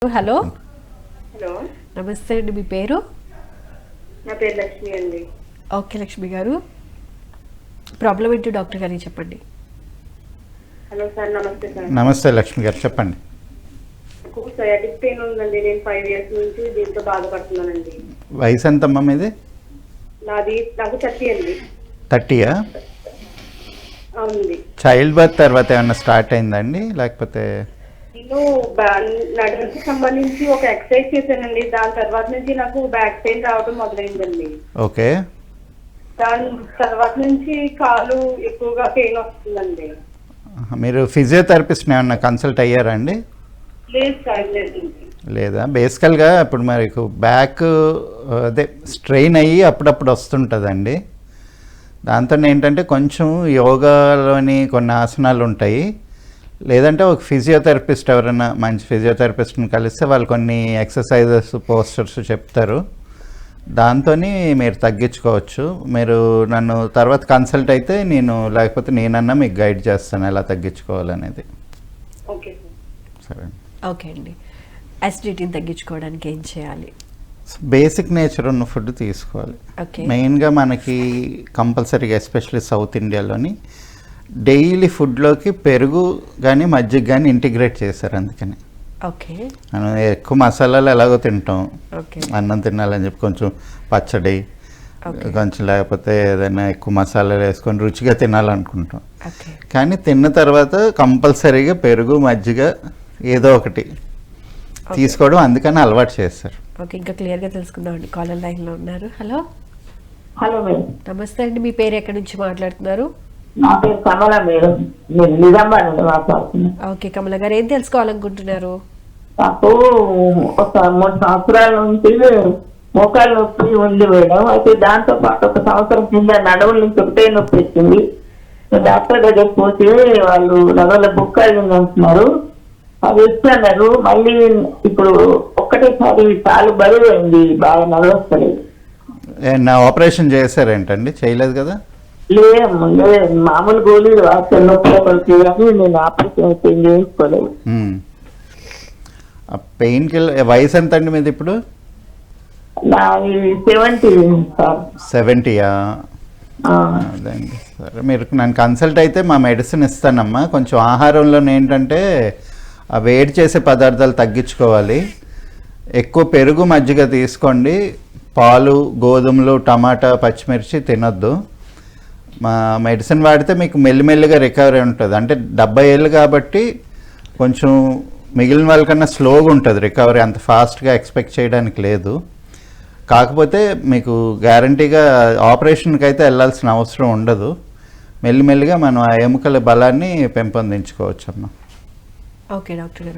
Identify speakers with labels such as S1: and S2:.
S1: Hello
S2: hello,
S1: నమస్తే అండి. మీ పేరు?
S2: నా పేరు లక్ష్మి అండి.
S1: ఓకే లక్ష్మి గారు, ప్రాబ్లం ఏంటో డాక్టర్ గారికి చెప్పండి.
S2: హలో సార్, నమస్తే సార్.
S3: నమస్తే లక్ష్మి గారు, చెప్పండి.
S2: నాకు సయాటిక్ పెయిన్ ఉందండి. నేను 5 years నుంచి దీంతో బాధపడుతున్నానండి.
S3: వయసు ఎంతమ్మా మీది?
S2: నాకు 30 అండి.
S3: 30యా?
S2: అవునండి.
S3: చైల్డ్ బర్త్ తర్వాత ఏమన్నా స్టార్ట్ అయిందండి, లేకపోతే?
S2: నేను నడుముకి సంబంధించి ఒక ఎక్సర్సైజ్ చేశానండి. దాని తర్వాత నుంచి నాకు బ్యాక్ పెయిన్ రావడం మొదలైందండి.
S3: ఓకే.
S2: దాని తర్వాత నుంచి కాలు ఎక్కువగా పెయిన్ వస్తుందండి.
S3: మీరు ఫిజియోథెరపిస్ట్ని ఏమన్నా కన్సల్ట్ అయ్యారా అండి?
S2: లేదు సార్, లేదు.
S3: లేదా? బేసికల్గా ఇప్పుడు మీకు బ్యాక్ అదే స్ట్రెయిన్ అయ్యి అప్పుడప్పుడు వస్తుంటుందండి. దాంతో ఏంటంటే కొంచెం యోగాలోని కొన్ని ఆసనాలు ఉంటాయి, లేదంటే ఒక ఫిజియోథెరపిస్ట్ ఎవరైనా మంచి ఫిజియోథెరపిస్ట్ని కలిస్తే వాళ్ళు కొన్ని ఎక్సర్సైజెస్ పోస్టర్స్ చెప్తారు. దాంతో మీరు తగ్గించుకోవచ్చు. మీరు నన్ను తర్వాత కన్సల్ట్ అయితే లేకపోతే నేనన్నా మీకు గైడ్ చేస్తాను ఎలా తగ్గించుకోవాలనేది.
S2: Okay sir.
S3: సరే.
S1: ఓకే అండి. అసిడిటీని తగ్గించుకోవడానికి ఏం చేయాలి?
S3: బేసిక్ నేచర్ ఉన్న ఫుడ్ తీసుకోవాలి.
S1: ఓకే.
S3: మెయిన్గా మనకి కంపల్సరీగా ఎస్పెషల్లీ సౌత్ ఇండియాలోని డైలీ ఫుడ్లోకి పెరుగు కానీ మజ్జిగ కానీ ఇంటిగ్రేట్ చేశారు. అందుకని
S1: ఓకే.
S3: మనం ఎక్కువ మసాలాలు ఎలాగో తింటాం,
S1: ఓకే.
S3: అన్నం తినాలని చెప్పి కొంచెం పచ్చడి కొంచెం లేకపోతే ఏదైనా ఎక్కువ మసాలాలు వేసుకొని రుచిగా తినాలనుకుంటాం.
S1: ఓకే.
S3: కానీ తిన్న తర్వాత కంపల్సరీగా పెరుగు మజ్జిగ ఏదో ఒకటి తీసుకోవడం అందుకని అలవాటు చేస్తారు.
S1: ఓకే, ఇంకా క్లియర్గా తెలుసుకుందాం అండి. కాలర్ లైన్లో ఉన్నారు. Hello
S4: hello madam.
S1: నమస్తే అండి. మీ పేరు ఎక్కడి నుంచి మాట్లాడుతున్నారు?
S4: నా పేరు కమల మేడం. నేను నిజామాబాద్ నుండి మాట్లాడుతున్నాను.
S1: ఓకే కమల గారు, ఏం తెలుసుకోవాలనుకుంటున్నారు?
S4: నాకు ఒక 3 సంవత్సరాల నుంచి మోకాలు నొప్పి ఉంది మేడం. అయితే దాంతో పాటు 1 సంవత్సరం కింద నడుముల నుంచి ఒకటే నొప్పి వచ్చింది. డాక్టర్ దగ్గర పోతే వాళ్ళు నడువుల బుక్కలు అంటున్నారు, అవి ఇస్తున్నారు. మళ్ళీ ఇప్పుడు ఒక్కటేసారి కాలు బరువు అయింది, బాగా నడవస్తలేదు.
S3: నా ఆపరేషన్ చేశారేంటండి? చేయలేదు కదా?
S4: లేదు, మామూలు గోళీలు వాడుతాను నొప్పి కానీ నేను ఆపరేషన్ చేయించుకోలేదు.
S3: పెయిన్ కిల్లర్ వయసు ఎంత అండి మీది ఇప్పుడు?
S4: నాది 70 సార్.
S3: 70యా? అదండి. సరే, మీరు నన్ను కన్సల్ట్ అయితే మా మెడిసిన్ ఇస్తానమ్మా. కొంచెం ఆహారంలో ఏంటంటే ఆ వేడి చేసే పదార్థాలు తగ్గించుకోవాలి. ఎక్కువ పెరుగు మజ్జిగ తీసుకోండి. పాలు, గోధుమలు, టమాటా, పచ్చిమిర్చి తినొద్దు. మా మెడిసిన్ వాడితే మీకు మెల్లిమెల్లిగా రికవరీ ఉంటుంది. అంటే 70 ఏళ్ళు కాబట్టి కొంచెం మిగిలిన వాళ్ళకన్నా స్లోగా ఉంటుంది రికవరీ, అంత ఫాస్ట్గా ఎక్స్పెక్ట్ చేయడానికి లేదు. కాకపోతే మీకు గ్యారంటీగా ఆపరేషన్కి అయితే వెళ్ళాల్సిన అవసరం ఉండదు. మెల్లిమెల్లిగా మనం ఆ ఎముకల బలాన్ని పెంపొందించుకోవచ్చు అమ్మా.
S1: ఓకే డాక్టర్ గారు.